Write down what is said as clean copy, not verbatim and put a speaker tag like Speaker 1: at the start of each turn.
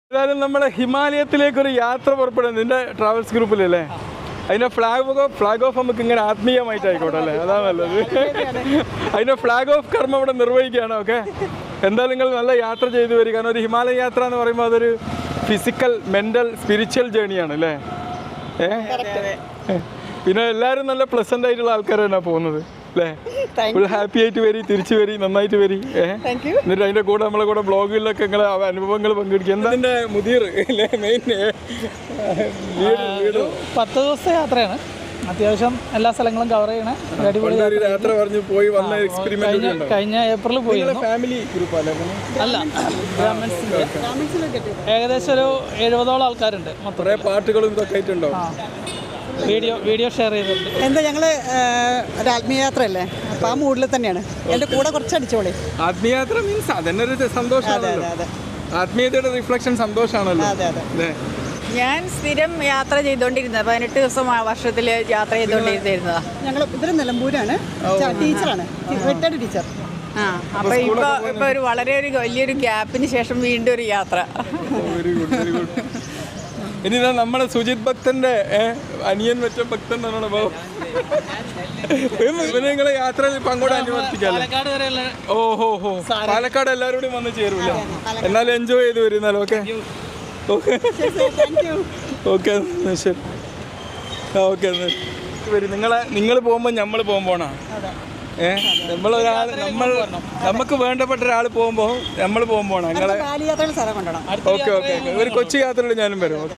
Speaker 1: ഏതായാലും നമ്മളെ ഹിമാലയത്തിലേക്കൊരു യാത്ര പുറപ്പെടുന്നത് നിന്റെ ട്രാവൽസ് ഗ്രൂപ്പിലല്ലേ? അതിൻ്റെ ഫ്ലാഗ് ഓഫ് നമുക്ക് ഇങ്ങനെ ആത്മീയമായിട്ടായിക്കോട്ടെ അല്ലേ? അതാണ് നല്ലത്. അതിൻ്റെ ഫ്ലാഗ് ഓഫ് കർമ്മം ഇവിടെ നിർവഹിക്കുകയാണ്. ഓക്കെ, എന്തായാലും നിങ്ങൾ നല്ല യാത്ര ചെയ്തു വരിക. കാരണം ഒരു ഹിമാലയ യാത്ര എന്ന് പറയുമ്പോൾ അതൊരു ഫിസിക്കൽ, മെൻ്റൽ, സ്പിരിച്വൽ ജേണിയാണ് അല്ലേ? പിന്നെ എല്ലാവരും നല്ല പ്ലസൻ്റ് ആയിട്ടുള്ള ആൾക്കാർ തന്നെയാണ് പോകുന്നത് അല്ലേ? ഫുൾ ഹാപ്പി ആയിട്ട് വരി, തിരിച്ചു വരി, നന്നായിട്ട് വരി. എന്നിട്ട് അതിൻ്റെ കൂടെ നമ്മളെ കൂടെ ബ്ലോഗിലൊക്കെ നിങ്ങളെ അനുഭവങ്ങൾ പങ്കെടുക്കുക. എന്താ അതിൻ്റെ മുതിർ അല്ലേ മെയിൻ?
Speaker 2: 10 ദിവസത്തെ യാത്രയാണ്. അത്യാവശ്യം എല്ലാ സ്ഥലങ്ങളും കവർ ചെയ്യണേ.
Speaker 1: യാത്ര പറഞ്ഞു പോയി വന്ന എക്സ്പെരിമെന്റ്
Speaker 2: കഴിഞ്ഞ ഏപ്രിൽ പോയി.
Speaker 1: ഫാമിലി ഗ്രൂപ്പ്
Speaker 2: അല്ല, ഏകദേശം ഒരു 70ഓളം ആൾക്കാരുണ്ട്.
Speaker 1: കുറേ പാട്ടുകളും ഇതൊക്കെ ആയിട്ടുണ്ടോ?
Speaker 2: വീഡിയോ ഷെയർ ചെയ്തിട്ടുണ്ട്.
Speaker 3: എന്താ ഞങ്ങള് ഒരു ആത്മീയയാത്രയല്ലേ, അപ്പൊ ആ മൂഡിൽ തന്നെയാണ്. എന്റെ കൂടെ കുറച്ച് അടിച്ചോളി.
Speaker 1: ആത്മീയയാത്ര മീൻസ് അതന്നെ ഒരു സന്തോഷമാണല്ലോ. ആത്മീയതയുടെ റിഫ്ലക്ഷൻ സന്തോഷമാണല്ലോ.
Speaker 4: ഞാൻ സ്ഥിരം യാത്ര ചെയ്തോണ്ടിരുന്നത് 18 ദിവസം വർഷത്തിൽ യാത്ര ചെയ്തോണ്ടിരുന്നതാ.
Speaker 3: ഞങ്ങൾ ഇതിൽ നിലമ്പൂരാണ്, ടീച്ചറാണ്, റിട്ടയർഡ് ടീച്ചർ.
Speaker 4: അപ്പൊ ഇപ്പൊ ഒരു വലിയൊരു ഗ്യാപ്പിന് ശേഷം വീണ്ടും ഒരു യാത്ര.
Speaker 1: ഇനി നമ്മുടെ സുജിത് ഭക്തന്റെ അനിയൻ വെച്ച ഭക്തൻ എന്നാണ് ഭാവം. പിന്നെ നിങ്ങളെ യാത്രയിൽ പങ്കോടെ അനുവർത്തിക്കാല്ലേ? ഓഹോ ഹോ, പാലക്കാട് എല്ലാവരും കൂടി വന്ന് ചേരൂല. എന്നാലും എൻജോയ് ചെയ്ത് വരുന്നാലും. ഓക്കെ ഓക്കെ ഓക്കെ ശരി. ഓക്കെ നിങ്ങൾ പോകുമ്പോൾ നമ്മൾ പോകുമ്പോണോ? നമുക്ക് വേണ്ടപ്പെട്ട ഒരാൾ പോകുമ്പോൾ നമ്മൾ പോകുമ്പോണോ? നിങ്ങളെ ഓക്കെ ഓക്കെ ഒരു കൊച്ചു യാത്രയിൽ ഞാനും വരും.